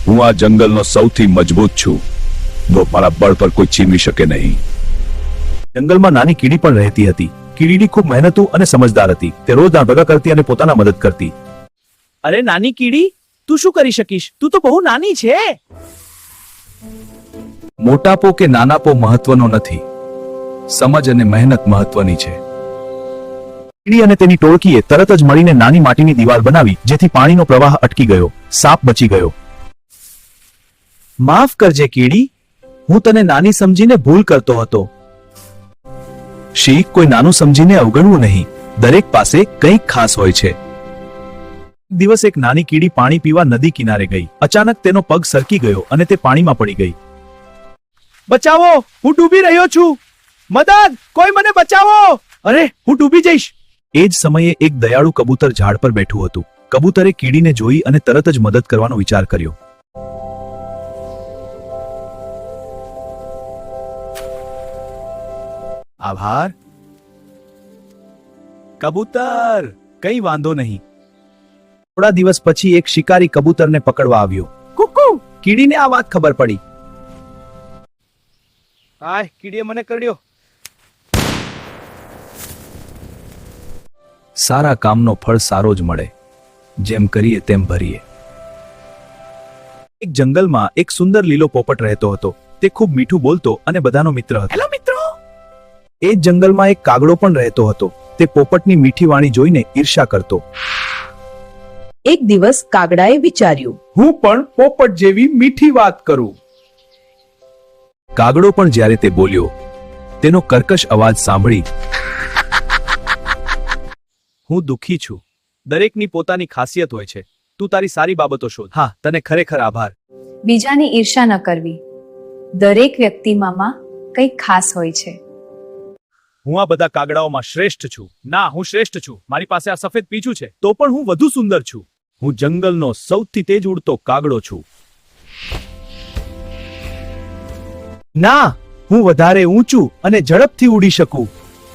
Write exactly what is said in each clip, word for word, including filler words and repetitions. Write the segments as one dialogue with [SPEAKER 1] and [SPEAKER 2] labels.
[SPEAKER 1] હું આ જંગલનો સૌથી મજબૂત છું, તો મારા બળ પર કોઈ છીનવી શકે નહીં.
[SPEAKER 2] જંગલમાં નાની કીડી પણ રહેતી હતી. કીડી ખૂબ મહેનતુ અને સમજદાર હતી. તે રોજ દાણ ભેગા કરતી અને પોતાના મદદ કરતી.
[SPEAKER 3] અરે નાની કીડી, તું શું કરી શકીશ? તું તો બહુ નાની છે.
[SPEAKER 2] મોટાપો કે નાનાપો મહત્વનો નથી, સમજ અને મહેનત મહત્વની છે. કીડી અને તેની ટોળકીએ તરત જ મળીને નાની માટીની દિવાલ બનાવી, જેથી પાણીનો પ્રવાહ અટકી ગયો. સાપ બચી ગયો.
[SPEAKER 3] માફ કરજે કીડી, હું તને નાની સમજીને ભૂલ કરતો હતો.
[SPEAKER 2] શીખ, કોઈ નાનું સમજીને અવગણવું નહીં. દરેક પાસે કંઈક ખાસ હોય છે. એક દિવસ એક નાની કીડી પાણી પીવા નદી કિનારે ગઈ. અચાનક તેનો પગ સરકી ગયો અને તે પાણીમાં પડી ગઈ.
[SPEAKER 3] બચાવો, હું ડૂબી રહ્યો છું. મદદ, કોઈ મને બચાવો. અરે, હું ડૂબી જઈશ.
[SPEAKER 2] એ જ સમયે એક દયાળુ કબૂતર ઝાડ પર બેઠું હતું. કબૂતરે કીડીને જોઈ અને તરત જ મદદ કરવાનો વિચાર કર્યો. આભાર કબૂતર, કંઈ વાંધો નહીં. થોડા દિવસ પછી એક શિકારી કબૂતરને પકડવા આવ્યો.
[SPEAKER 3] કુકુ,
[SPEAKER 2] કીડીને આ વાત ખબર પડી.
[SPEAKER 3] હાય, કીડીએ મને કરડ્યો.
[SPEAKER 2] સારા કામનો ફળ સારો જ મળે. જેમ કરીએ તેમ ભરીએ. એક જંગલમાં એક સુંદર લીલો પોપટ રહેતો હતો. તે ખૂબ મીઠું બોલતો અને બધાનો મિત્ર હતો.
[SPEAKER 3] હેલો મિત્રો.
[SPEAKER 2] એ જ જંગલમાં એક કાગડો પણ રહેતો હતો. તે પોપટની મીઠી વાણી જોઈને ઈર્ષ્યા કરતો.
[SPEAKER 4] એક દિવસ કાગડાએ વિચાર્યું,
[SPEAKER 3] હું પણ પોપટ જેવી મીઠી વાત કરું.
[SPEAKER 2] કાગડો પણ જ્યારે તે બોલ્યો, તેનો કર્કશ અવાજ સાંભળી, હું દુઃખી છું. દરેકની પોતાની ખાસિયત હોય છે. તું તારી સારી બાબતો શોધ. હા, તને ખરેખર આભાર.
[SPEAKER 5] બીજાની ઈર્ષા ન કરવી. દરેક વ્યક્તિમાં કંઈક ખાસ હોય છે.
[SPEAKER 2] હું આ બધા કાગડાઓમાં શ્રેષ્ઠ છું. ના, હું શ્રેષ્ઠ છું. મારી પાસે આ સફેદ પીછું છે, તો પણ હું વધુ સુંદર છું. હું જંગલનો સૌથી તેજ ઉડતો કાગડો છું.
[SPEAKER 3] ના, હું વધારે ઊંચું અને ઝડપથી ઉડી શકું.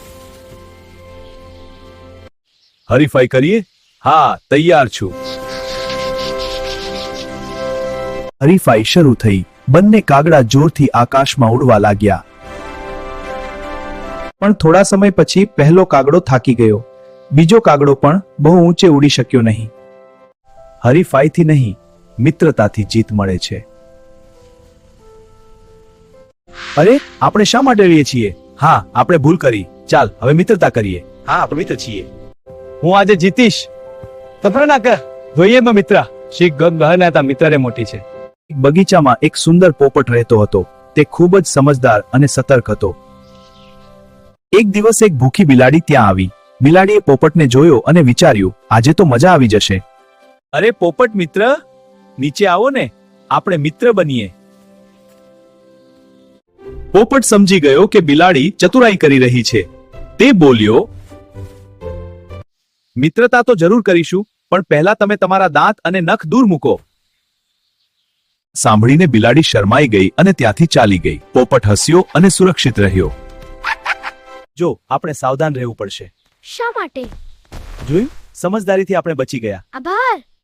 [SPEAKER 2] હરીફાઈ કરીએ? હા, તૈયાર છું. હરીફાઈ શરૂ થઈ. બંને કાગડા જોરથી આકાશમાં ઉડવા લાગ્યા. પણ થોડા સમય પછી પહેલો કાગડો થાકી ગયો. બીજો કાગડો પણ બહુ ઊંચે ઉડી શક્યો નહીં. હરીફાઈથી નહીં, મિત્રતાથી જીત મળે છે. અરે, આપણે શા માટે રહીએ છીએ? હા, આપણે ભૂલ કરી. ચાલ, હવે મિત્રતા કરીએ. હા, આપણે મિત્ર છીએ.
[SPEAKER 3] હું આજે જીતીશ. તફર ના કર. જોઈએ મે મિત્ર. શીખ ગગ ગહના તા મિત્રે મોટી છે.
[SPEAKER 2] એક બગીચામાં એક સુંદર પોપટ રહેતો હતો. તે ખૂબ જ સમજદાર અને સતર્ક હતો. એક દિવસ એક ભૂખી બિલાડી ત્યાં આવી. બિલાડીએ પોપટને જોયો અને વિચાર્યું, આજે તો મજા આવી જશે.
[SPEAKER 3] અરે પોપટ મિત્ર, નીચે આવો ને, આપણે મિત્ર બનીએ.
[SPEAKER 2] પોપટ સમજી ગયો કે બિલાડી ચતુરાઈ કરી રહી છે. તે બોલ્યો, મિત્રતા તો જરૂર કરીશું, પણ પહેલા તમે તમારા દાંત અને નખ દૂર મૂકો. સાંભળીને બિલાડી શરમાઈ ગઈ અને ત્યાંથી ચાલી ગઈ. પોપટ હસ્યો અને સુરક્ષિત રહ્યો. જો, આપણે સાવધાન રહેવું પડશે.
[SPEAKER 6] શા માટે?
[SPEAKER 2] જોયું? સમજદારીથી આપણે બચી ગયા.
[SPEAKER 6] આભાર.